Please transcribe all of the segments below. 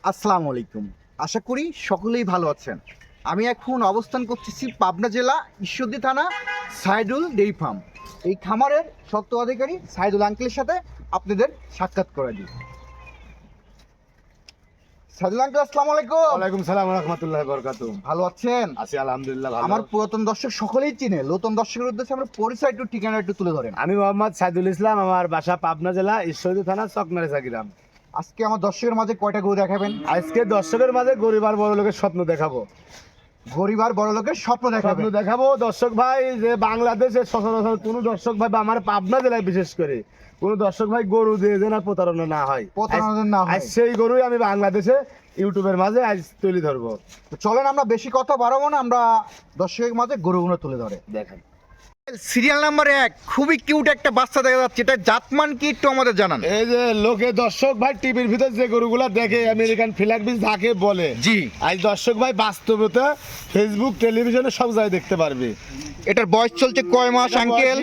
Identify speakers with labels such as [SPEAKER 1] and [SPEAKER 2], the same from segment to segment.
[SPEAKER 1] আসসালামু আলাইকুম। আশা করি সকলেই ভালো আছেন। আমি এখন অবস্থান করতেছি পাবনা জেলা ঈশ্বরদী থানা সাইদুল ডেইরি ফার্ম। এই খামারের স্বত্বাধিকারী সাইদুল আঙ্কেলের সাথে আপনাদের সাক্ষাৎ করে দিই। সাইদুল আঙ্কেল, আসসালামু আলাইকুম।
[SPEAKER 2] ওয়ালাইকুম সালাম ওয়া রাহমাতুল্লাহি ওয়া বারাকাতুহু।
[SPEAKER 1] ভালো আছেন?
[SPEAKER 2] আছি আলহামদুলিল্লাহ ভালো।
[SPEAKER 1] আমার পুরাতন দর্শক সকলেই চিনে, নতুন দর্শকের উদ্দেশ্যে আমরা পরিচয় একটু ঠিকানা একটু তুলে ধরেন।
[SPEAKER 2] আমি মোহাম্মদ সাইদুল ইসলাম, আমার বাসা পাবনা জেলা ঈশ্বরদী থানা চকনারেসা গ্রাম।
[SPEAKER 1] আজকে আমার দর্শকের মাঝে কয়টা গরু দেখাবেন?
[SPEAKER 2] আজকে দর্শকের মাঝে গরিব আর বড় লোকের স্বপ্ন দেখাবো।
[SPEAKER 1] গরিব আর বড় লোকের স্বপ্ন দেখাবেন।
[SPEAKER 2] দেখাবো দর্শক ভাই, যে বাংলাদেশের সচরাচর কোনো দর্শক ভাই বা আমার পাবনা জেলায় বিশেষ করে কোনো দর্শক ভাই গরু দিয়ে যেন আর প্রতারণা না হয়, আজ সেই গরুই আমি বাংলাদেশে ইউটিউবের মাঝে আজ তুলে ধরবো।
[SPEAKER 1] তো চলেন আমরা বেশি কথা বাড়াবো না, আমরা দর্শকের মাঝে গরুগুলো তুলে ধরে
[SPEAKER 2] দেখেন।
[SPEAKER 1] সিরিয়াল নাম্বার 1 খুবই কিউট একটা বাচ্চা দেখা যাচ্ছে, এটা জাতমান কি একটু আমাদের জানান।
[SPEAKER 2] এই যে লোকে দর্শক ভাই টিভির ভিতর যে গরুগুলা দেখে আমেরিকান ফ্ল্যাগ বিচ ধাকে বলে,
[SPEAKER 1] জি,
[SPEAKER 2] আজ দর্শক ভাই বাস্তবতা ফেসবুক টেলিভিশনে সব জায়গায় দেখতে পারবে।
[SPEAKER 1] এটার বয়স চলছে কয় মাস আঙ্কেল?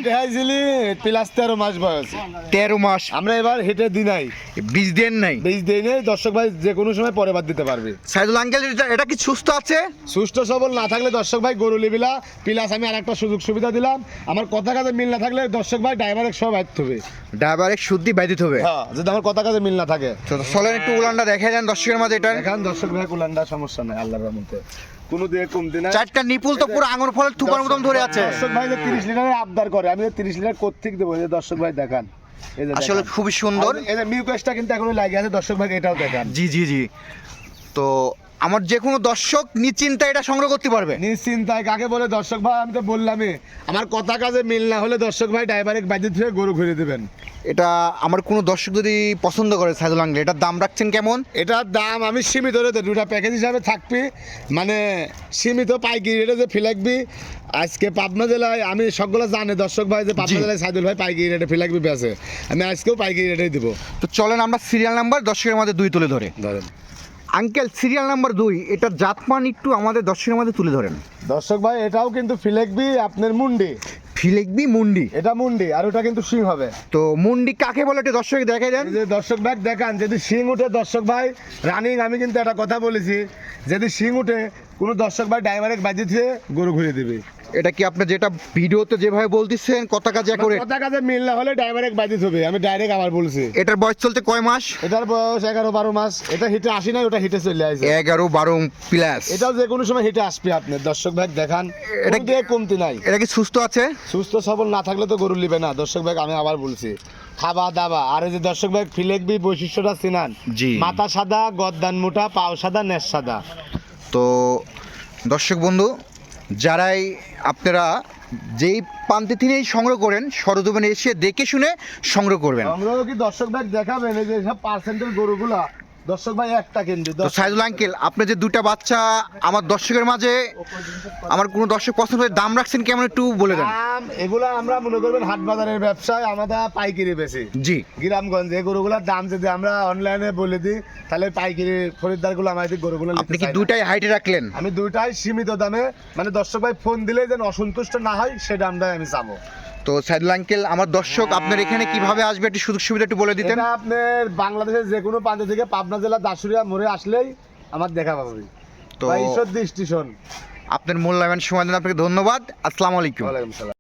[SPEAKER 2] প্লাস 13 মাস বয়স।
[SPEAKER 1] 13 মাস।
[SPEAKER 2] আমরা এবার হেঁটে দিই নাই,
[SPEAKER 1] বীজ দেন নাই?
[SPEAKER 2] বীজ দিই নাই। দর্শক ভাই যে কোনো সময় পরে বাদ দিতে পারবে।
[SPEAKER 1] সাইদুল আঙ্কেল, এটা কি সুস্থ আছে?
[SPEAKER 2] সুস্থ সবল না থাকলে দর্শক ভাই গরু লিবিলা প্লাস আমি আরেকটা সুযোগ সুবিধা দিলাম, আমার কথা কাজে মিল না থাকলে দর্শক ভাই ড্রাইভারের সব বাঁধতে হবে।
[SPEAKER 1] ড্রাইভারের শুদ্ধি বাইদিতে হবে।
[SPEAKER 2] হ্যাঁ, যদি আমার কথা কাজে মিল না থাকে।
[SPEAKER 1] চলেন একটু উলানটা দেখে যান দর্শকের মাঝে। এটা
[SPEAKER 2] এখন দর্শক ভাই কুলান্ডা সমস্যা নাই আল্লাহর রহমতে, কোনো দিয়ে কমতি নাই।
[SPEAKER 1] চারটা নিপুল তো পুরো আঙুর ফলের থুপার মতন ধরে আছে।
[SPEAKER 2] দর্শক ভাই যে 30 লিটারের আবদার করে, আমি 30 লিটার কোত্থেকে দেবো? এই যে দর্শক ভাই দেখান, এই যে
[SPEAKER 1] আসলে খুবই সুন্দর।
[SPEAKER 2] এই যে মিউকাসটা কিন্তু এখনো লাগে আছে, দর্শক ভাই এটাও দেখান।
[SPEAKER 1] জি জি জি। তো আমার যে কোনো দর্শক নিশ্চিন্তে এটা সংগ্রহ করতে পারবে।
[SPEAKER 2] নিশ্চিন্তায় কাকে বলে দর্শক ভাই? আমি তো বললামই, আমার কথা কাজে মিল না হলে দর্শক ভাই ড্রাইভারের বাজেট থেকে গরু ঘুরে দেবেন।
[SPEAKER 1] এটা আমার কোনো দর্শক যদি পছন্দ করে সাইদুল আঙ্কেল, এটার দাম রাখছেন কেমন?
[SPEAKER 2] এটার দাম আমি সীমিত রেটে, দুটা প্যাকেজ হিসাবে থাকবি, মানে সীমিত পাইকারি রেটে যে ফিলাকবি। আজকে পাবনা জেলায় আমি সবগুলো জানে দর্শক ভাই যে পাবনা জেলায় সাইদুল ভাই পাইকারি রেটে ফিলাকবি বেচে, আমি আজকেও পাইকারি রেটেই দেবো।
[SPEAKER 1] তো চলেন আমরা সিরিয়াল নাম্বার দর্শকের মধ্যে 2 তুলে ধরে।
[SPEAKER 2] ধরেন
[SPEAKER 1] আঙ্কেল, সিরিয়াল নাম্বার 2 এটার জাতমান একটু আমাদের দর্শকের মধ্যে তুলে ধরেন।
[SPEAKER 2] দর্শক ভাই, এটাও কিন্তু ফিলাকবি আপনার মুন্ডি,
[SPEAKER 1] ফিলেকবি মুন্ডি।
[SPEAKER 2] এটা মুন্ডি আর ওটা কিন্তু শিং হবে।
[SPEAKER 1] তো মুন্ডি কাকে বলে এটা দর্শক দেখাই দেন।
[SPEAKER 2] এই যে দর্শক ভাই দেখান, যদি শিং উঠে দর্শক ভাই রানিং, আমি কিন্তু একটা কথা বলেছি, যদি শিং উঠে কোনো দর্শক ভাই ড্রাইভারের বাজি দিয়ে গরু ঘুরে দিবে।
[SPEAKER 1] এটা কি আপনি যেটা ভিডিওতে যেভাবে বলতেছেন কথা কাজে করে?
[SPEAKER 2] কথা কাজে মিল না হলে ড্রাইভারের বাজি হবে, আমি ডাইরেক্ট আবার বলছি।
[SPEAKER 1] এটার বয়স চলতে কয় মাস?
[SPEAKER 2] এটার বয়স 11-12 মাস। এটা হিটে আসি না, ওটা হিটে চলে আসে
[SPEAKER 1] 11-12 প্লাস।
[SPEAKER 2] এটাও যে কোনো সময় হিটে আসবে। আপনি দর্শক ভাই দেখান,
[SPEAKER 1] এটা
[SPEAKER 2] এটা দিয়ে কমতি নাই।
[SPEAKER 1] এটা কি সুস্থ আছে?
[SPEAKER 2] সুস্থ সবল না থাকলে তো গরু নিবে না দর্শক ভাই, আমি আবার বলছি। খাওয়া দাওয়া আর এই যে দর্শক ভাই ফিলেকবি বৈশিষ্ট্যটা চিনান,
[SPEAKER 1] জি।
[SPEAKER 2] মাথা সাদা, গদ্দান মোটা, পাও সাদা, নেশ সাদা।
[SPEAKER 1] তো দর্শক বন্ধু, যারাই আপনারা যেই প্রান্তে থেকেই সংগ্রহ করেন, সরজমিনে এসে দেখে শুনে সংগ্রহ করবেন।
[SPEAKER 2] আমরাও কি দর্শক ভাই দেখাবেন এই যে সব পার্সেন্টের গরুগুলা দর্শক ভাই একটা কিনবে।
[SPEAKER 1] তো সাইদুল আঙ্কেল, আপনি যে 2টা বাচ্চা আমার দর্শকের মাঝে, আমার কোনো দর্শক পছন্দ হয়ে দাম রাখছেন কেমন একটু বলে দেন।
[SPEAKER 2] দাম এগুলো আমরা মনে করবেন হাট বাজারের ব্যবসায় আমাদের পাইকারি বেশি।
[SPEAKER 1] জি।
[SPEAKER 2] গ্রামগঞ্জে এই গরুগুলোর দাম যদি আমরা অনলাইনে বলে দিই তাহলে পাইকারি খরিদ্দারগুলো আমাদের গরুগুলো
[SPEAKER 1] আপনি কি 2টাই হাইটে রাখলেন?
[SPEAKER 2] আমি 2টাই সীমিত দামে, মানে দর্শক ভাই ফোন দিলে যেন অসন্তুষ্ট না হয় সে দামটাই আমি চাবো।
[SPEAKER 1] তো সাইদুল আঙ্কেল, আমার দর্শক আপনার এখানে কিভাবে আসবে একটু সুযোগ সুবিধা একটু বলে দিতেন।
[SPEAKER 2] এটা আপনার বাংলাদেশের যে কোনো প্রান্ত থেকে পাবনা জেলা দাসুরিয়া মোড়ে আসলেই আমার দেখা পাবে।
[SPEAKER 1] তো
[SPEAKER 2] ঈশ্বরদী স্টেশন।
[SPEAKER 1] আপনার মূল্যবান সময় দেন, আপনাকে ধন্যবাদ। আসসালামু আলাইকুম।
[SPEAKER 2] ওয়ালাইকুম সালাম।